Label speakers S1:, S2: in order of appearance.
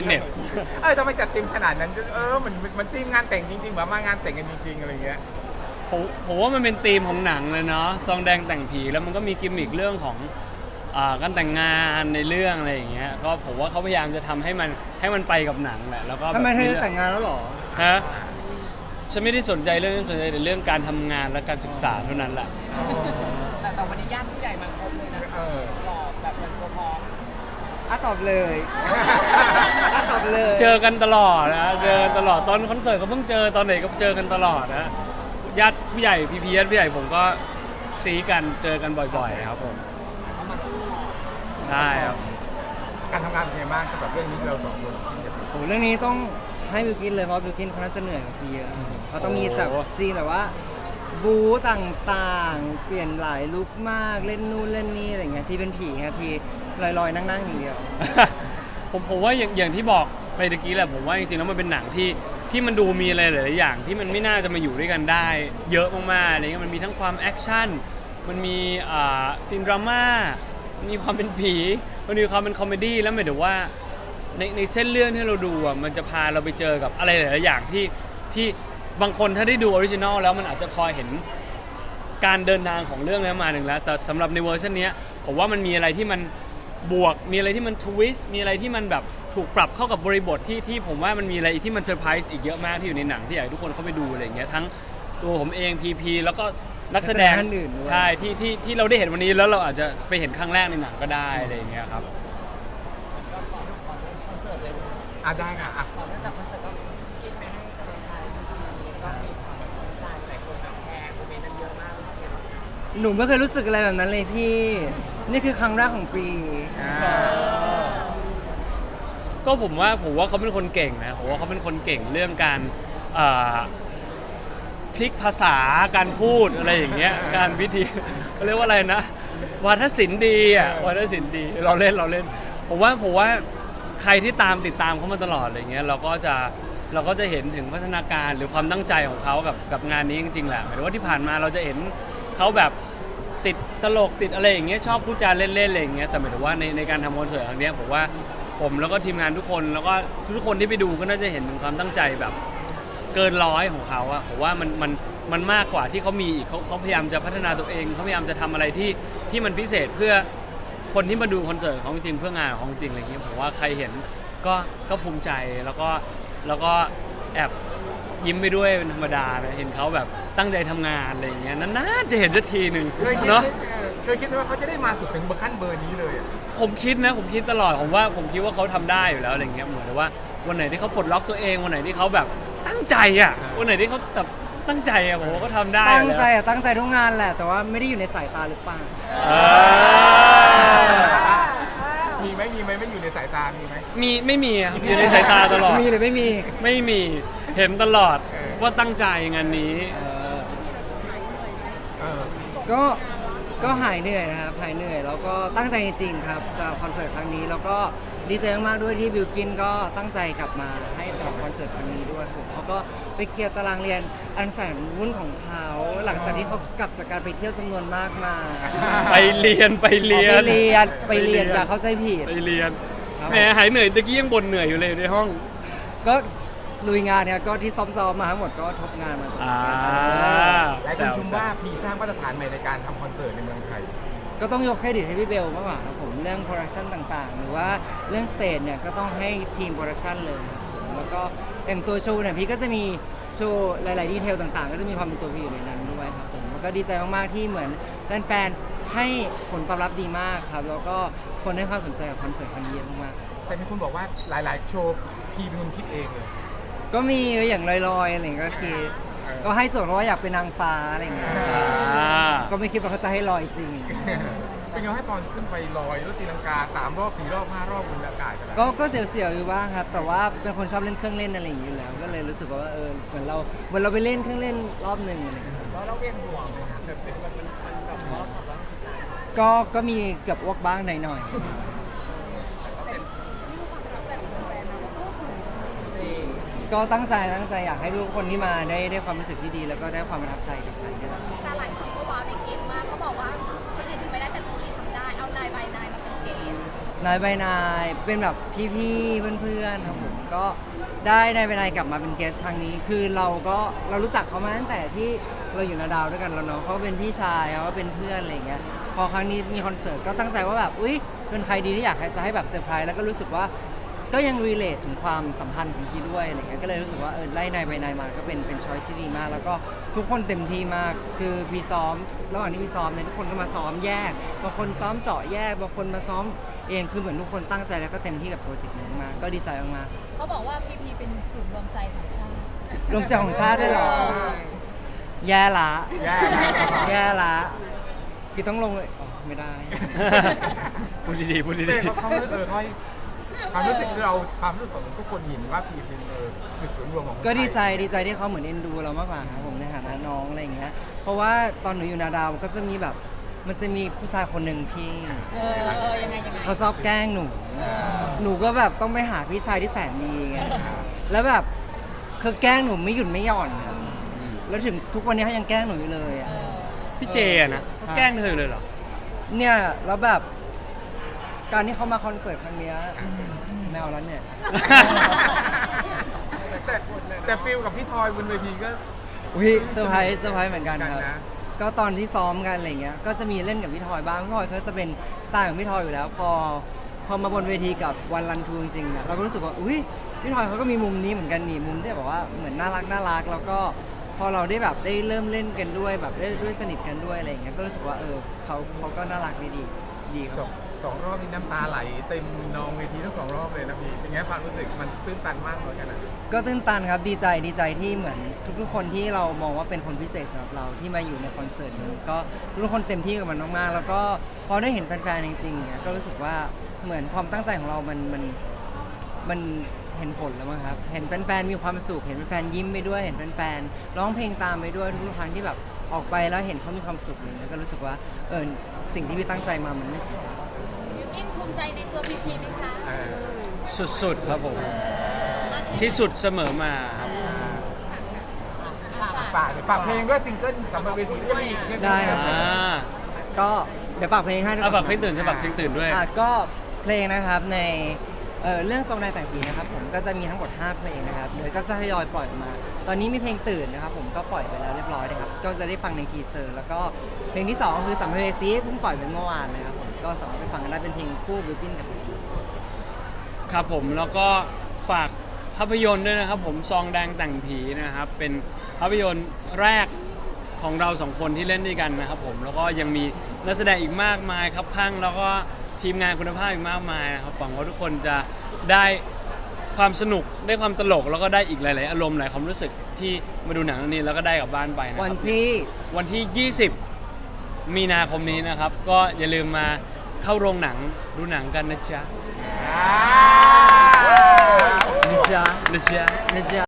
S1: เน็ต
S2: ทำไมจัดเต็มขนาดนั้นมันทีมงานแต่งจริงๆแบบมางานแต่งกันจริงๆอะไรเงี้ย
S1: ผมว่ามันเป็นธีมของหนังเลยเนาะซองแดงแต่งผีแล้วมันก็มีกิมมิคเรื่องของการแต่งงานในเรื่องอะไรอย่างเงี้ยก็ผมว่าเขาพยายามจะทำให้มันไปกับหนังแหละแล้วก็
S3: ทำไมเธอแต่งงานแล้วหรอ
S1: ฮะฉันไม่ได้สนใจเรื่องนั้นสนใจแต่เรื่องการทำงานและการศึกษาเท่านั้นแหละ
S4: แต่วันนี้ญาติผู้ใหญ่มาครบเลยนะหล่อแบบเหมือนตัวพร้อม
S3: ตอบเลยตอบเลย
S1: เจอกันตลอดนะเจอกันตลอดตอนคอนเสิร์ตก็เพิ่งเจอตอนไหนก็เจอกันตลอดนะญาติผู้ใหญ่พี่ญาติผู้ใหญ่ผมก็ซีกันเจอกันบ่อยๆครับผมใช่ครับ
S2: การทำงานเป็นไงบ้างสำหรับเรื่องนี้เราสองคน
S3: โอ้เรื่องนี้ต้องให้บิวกินเลยเพราะบิวกินเขาน่าจะเหนื่อยกว่าพี่เยอะเขาต้องมีสับซีนแบบว่าบู๊ต่างๆเปลี่ยนหลายลุคมากเล่นนู่นเล่นนี่อะไรเงี้ยพี่เป็นผีครับพี่ลอยๆนั่งๆอย่างเดียว
S1: ผมว่าอย่างที่บอกไปตะกี้แหละผมว่าจริงๆแล้วมันเป็นหนังที่มันดูมีอะไรหลายๆอย่างที่มันไม่น่าจะมาอยู่ด้วยกันได้เยอะมากๆอะไรเงี้ยมันมีทั้งความแอคชั่นมันมีซีนดราม่ามีความเป็นผีมันมีความเป็นคอมเมดี้แล้วหมายถึงว่าในเส้นเรื่องที่เราดูอ่ะมันจะพาเราไปเจอกับอะไรหลายๆอย่างที่บางคนถ้าได้ดูออริจินอลแล้วมันอาจจะพอเห็นการเดินทางของเรื่องนี้มาหนึ่งแล้วแต่สำหรับในเวอร์ชันนี้ผมว่ามันมีอะไรที่มันบวกมีอะไรที่มันทวิสต์มีอะไรที่มันแบบถูกปรับเข้ากับบริบทที่ผมว่ามันมีอะไรที่มันเซอร์ไพรส์อีกเยอะมากที่อยู่ในหนังที่อยากให้ทุกคนเข้าไปดูอะไรอย่างเงี้ยทั้งตัวผมเองพีแล้วก็นักแสดง
S3: อื่น
S1: ใช่ที่เราได้เห็นวันนี้แล้วเราอาจจะไปเห็นครั้งแรกในหนังก็ได้อะไรอย่างเงี้ยครับ
S2: ได้ค่ะ
S4: ก่อนเริ่มจากคอนเสิร์ตก็กินไปให้กำลังใจก็มีช็อตแบบใจหลายคนแชร์โมเมนต์นั้นเยอะมาก
S3: หนูไม่เคยรู้สึกอะไรแบบนั้นเลยพี่นี่คือครั้งแรกของปี
S1: ก็ผมว่าเขาเป็นคนเก่งนะผมว่าเขาเป็นคนเก่งเรื่องการพลิกภาษาการพูดอะไรอย่างเงี้ยการวิธีเขาเรียกว่าอะไรนะวาทศิลป์ดีวาทศิลป์ดีเราเล่นผมว่าใครที่ติดตามเขามาตลอดอะไรเงี้ยเราก็จะเห็นถึงพัฒนาการหรือความตั้งใจของเขากับงานนี้จริงๆแหละหมายถึงว่าที่ผ่านมาเราจะเห็นเขาแบบติดตลกติดอะไรอย่างเงี้ยชอบพูดจาเล่นๆอะไรอย่างเงี้ยแต่หมายถึงว่าในการทำคอนเสิร์ตครั้งนี้ผมว่าผมแล้วก็ทีมงานทุกคนแล้วก็ทุกคนที่ไปดูก็น่าจะเห็นถึงความตั้งใจแบบเกินร้อยของเขาอะผมว่ามันมากกว่าที่เขามีอีกเขาพยายามจะพัฒนาตัวเองเขาพยายามจะทำอะไรที่มันพิเศษเพื่อคนที่มาดูคอนเสิร์ตของจริงเพื่องานของจริงอะไรอย่างเงี้ยผมว่าใครเห็นก็ภูมิใจแล้วก็แอบยิ้มไปด้วยเป็นธรรมดานะเห็นเขาแบบตั้งใจทำงานอะไรอย่างเงี้ยนานๆจะเห็นสักทีหนึ่งเนาะ
S2: เคยคิดว่าเขาจะได้มาสุดถึงขั้นเบอร์นี้เลย
S1: ผมคิดตลอดผมคิดว่าเขาทำได้อยู่แล้วอะไรเงี้ยเหมือนว่าวันไหนที่เขาปลดล็อกตัวเองวันไหนที่เขาแบบตั้งใจวันไหนที่เขาแบบตั้งใจผมว่าเขาทำได้
S3: ตั้งใจทุกงานแหละแต่ว่าไม่ได้อยู่ในสายตาหรือเปล่า
S2: มีไหมไม่อยู่ในสายตามีไหม
S1: ไม่มีอยู่ในสายตาตลอด
S3: มีหรือไม่
S1: มีเห็นตลอดว่าตั้งใจงานนี้
S3: ก็หายเหนื่อยนะครับหายเหนื่อยแล้วก็ตั้งใจจริงๆครับสำหรับคอนเสิร์ตครั้งนี้แล้วก็ดีใจมากๆด้วยที่บิวกินก็ตั้งใจกลับมาให้สำหรับคอนเสิร์ตครั้งนี้ด้วยผมเขาก็ไปเคลียร์ตารางเรียนอันแสนวุ่นของเขาหลังจากที่เขากลับจากการไปเที่ยวจำนวนมากมา
S1: ไปเรียน
S3: อย่าเข้าใจผิด
S1: ไปเรียนแหมหายเหนื่อยตะกี้ยังบ่นเหนื่อยอยู่เลยในห้อง
S3: ก็ลุยงานเนี่ยก็ที่ซ้อมมาทั้งหมดก็ทบงานมา
S2: หลายคนชมว่าพีสร้างมาตรฐานใหม่ในการทำคอนเสิร์ตในเมืองไทย
S3: ก็ต้องยกเครดิตให้พี่เบลมากกว่าครับผมเรื่องโปรดักชันต่างๆหรือว่าเรื่องสเตจเนี่ยก็ต้องให้ทีมโปรดักชันเลยแล้วก็อย่างตัวโชว์เนี่ยพี่ก็จะมีโชว์หลายๆดีเทลต่างๆก็จะมีความเป็นตัวพี่อยู่ในนั้นด้วยครับผมแล้วก็ดีใจมากๆที่เหมือนแฟนๆให้ผลตอบรับดีมากครับแล้วก็คนให้ความสนใจกับคอนเสิร์ตครั้งนี้เยอะมาก
S2: ๆแต่มีคนบอกว่าหลายๆโชว์พี่เป็นคนคิดเองเลย
S3: ก็มีอย่างลอยๆอะไรอย่างเงี้ยก็คือก็ให้โจทย์ว่าอยากเป็นนางฟ้าอะไรอย่างเงี้ยก็ไม่คิดว่าเขาจะให้ลอยจริง
S2: เป็นไงให้ตอนขึ้นไปลอยแล้วตีลังกา3 รอบ 4 รอบ 5 รอบบนอากาศ
S3: ก็เสียวๆอยู่บ้างครับแต่ว่าเป็นคนชอบเล่นเครื่องเล่นอะไรอย่างเงี้ยอยู่แล้วก็เลยรู้สึกว่าเหมือนเราไปเล่นเครื่องเล่นรอบหนึ่งอะไรอย่างเงี้ย
S4: เราเวียนหัวไหมครับมันแบบว่า
S3: ก็มีเกือบอ้วกบ้างหน่อยก็ตั้งใจอยากให้ทุกคนที่มาได้ความรู้สึกที่ดีแล้วก็ได้ความประทับใจกับมันนี่แหละ
S5: แต่หลายคนก็ว้าวในเกมมากเขาบอกว่าคนอื่นทำไม่ได้แต่พวกนี้ทำได้เอานายใบนายมาเป็นเกส
S3: นายใบนายเป็นแบบพี่ๆเพื่อนๆครับผมก็ได้นายใบนายกลับมาเป็นเกสครั้งนี้คือเรารู้จักเขามาตั้งแต่ที่เราอยู่นาดาวด้วยกันแล้วเนาะเขาเป็นพี่ชายเขาเป็นเพื่อนอะไรอย่างเงี้ยพอครั้งนี้มีคอนเสิร์ตก็ตั้งใจว่าแบบอุ๊ยเป็นใครดีที่อยากจะให้แบบเซอร์ไพรส์แล้วก็รู้สึกว่าก็ยังรีเลทถึงความสัมพันธ์ของพี่ด้วยอะไรเงี้ยก็เลยรู้สึกว่าไล่นายไปนายมาก็เป็นช้อยส์ที่ดีมากแล้วก็ทุกคนเต็มที่มากคือพี่ซ้อมระหว่างที่พี่ซ้อมเนี่ยทุกคนก็มาซ้อมแยกบางคนซ้อมเจาะแยกบางคนมาซ้อมเองคือเหมือนทุกคนตั้งใจแล้วก็เต็มที่กับโปรเจกต์นี้มากก็ดีใจมาก
S5: เขาบอกว่าพีพีเป็นศูนย์รวมใจของชาติ
S3: ๆรวมใจของชาติด้วยเหรอแย่ละแย่ละคือต้องลงเลยอ๋อไม่ได้
S1: พูดดีๆพูด
S2: เป้
S1: ดี
S2: เขาให้ความรู้สึกความรู้สึกของทุกคนเห็นว่าพีเป็นคือศูนย์รวมของคนไทย
S3: ก็ดีใจที่เขาเหมือนเอ็นดูเรามากกว่าครับผมในฐานะน้องอะไรอย่างเงี้ยเพราะว่าตอนหนูอยู่นาดาวก็จะมีแบบมันจะมีผู้ชายคนหนึ่งพี่
S5: ยังไง
S3: เขาชอบแกล้งหนูก็แบบต้องไปหาพี่ชายที่แสนดีไงแล้วแบบคือแกล้งหนูไม่หยุดไม่หย่อนอะแล้วถึงทุกวันนี้เขายังแกล้งหนูอยู่เลยอะ
S1: ๆพี่เจอะนะแกล้งเธอเลยเหรอ
S3: เนี่ยแล้วแบบการที่เขามาคอนเสิร์ตครั้งเนี้ยแมวแล้วเนี่ย
S2: แต่ฟิลกับพี่ทอยบนเวทีก็
S3: อุ้ยเซอร์ไพรส์เหมือนกันครับ
S2: กันนะ
S3: ก็ตอนที่ซ้อมกันอะไรเงี้ยก็จะมีเล่นกับพี่ทอยบ้างพี่ทอยเขาจะเป็นสไตล์ของพี่ทอยอยู่แล้ว พอมาบนเวทีกับวันรันทูจริงๆเนี่ยเราก็รู้สึกว่าอุ้ยพี่ทอยเขาก็มีมุมนี้เหมือนกันนี่มุมที่แบบว่าเหมือนน่ารักแล้วก็พอเราได้แบบได้เริ่มเล่นกันด้วยแบบได้ด้วยสนิทกันด้วยอะไรเงี้ยก็รู้สึกว่าเขาก็น่ารักดีครับ
S2: สองรอบนี่น้ำตาไหลเต็มนองเวทีทั้ง2 รอบเลยนะพี่เป็นไงความรู้สึกมันตื้นตันมากเลยกันนะ
S3: ก็ตื้นตันครับดีใจที่เหมือนทุกๆคนที่เรามองว่าเป็นคนพิเศษสำหรับเราที่มาอยู่ในคอนเสิร์ตนี้ก็ทุกคนเต็มที่กับมันมากๆแล้วก็พอได้เห็นแฟนๆจริงๆเนี่ยก็รู้สึกว่าเหมือนความตั้งใจของเรามันเห็นผลแล้วมั้งครับเห็นแฟนๆมีความสุขเห็นแฟนๆยิ้มไปด้วยเห็นแฟนๆร้องเพลงตามไปด้วยทุกๆครั้งที่แบบออกไปแล้วเห็นเขามีความสุขเลยก็รู้สึกว่าสิ่งที่พี่ตั้งใจมามันไม่สูญ
S5: ยูกินภูมิใจในตัวพีพีไหมคะ
S1: สุดๆครับผม ที่สุดเสมอมาครับ
S2: ฝากเพลงด้วยซิงเกิลสำหรับเวทีที่จะมีอีกใช่ไหม
S3: ได้ครับ
S1: อ่า
S3: ก็เดี๋ยวฝากเพลงให้ด้วย
S1: ฝากเพลงตื่นฝากเพลงตื่นด้วย
S3: ก็เพลงนะครับในเรื่องทรงนายแต่งผีนะครับผมก็จะมีทั้งหมด5เพลงนะครับเดี๋ยวก็จะทยอยปล่อยออกมา ตอนนี้มีเพลงตื่นนะครับผมก็ปล่อยไปแล้วเรียบร้อยนะครับก็จะได้ฟังในทีเซอร์แล้วก็เพลงที่2คือสัมภเวสีเพิ่งปล่อยไปเมื่อวานนะครับผมก็สามารถไปฟังกันได้เป็นเพลงคู่บิวกิ้นกับ
S1: ครับผมแล้วก็ฝากภาพยนตร์ด้วยนะครับผมซองแดงแต่งผีนะครับเป็นภาพยนตร์แรกของเรา2 คนที่เล่นด้วยกันนะครับผมแล้วก็ยังมีนักแสดงอีกมากมายครับข้างแล้วก็ทีมงานคุณภาพอีกมากมายนะครับหวังว่าทุกคนจะได้ความสนุกได้ความตลกแล้วก็ได้อีกหลายๆอารมณ์หลายความรู้สึกที่มาดูหนังเรื่องนี้แล้วก็ได้กลับบ้านไปนะค
S3: วั
S1: รั
S3: น
S1: บ
S3: ที่
S1: วันที่ 20 มีนาคมนี้นะครับ ก็อย่าลืมมาเข้าโรงหนังดูหนังกันนะจ๊ะ
S3: นะจ๊ะ
S1: นะจ๊ะ
S3: นะจ๊ะ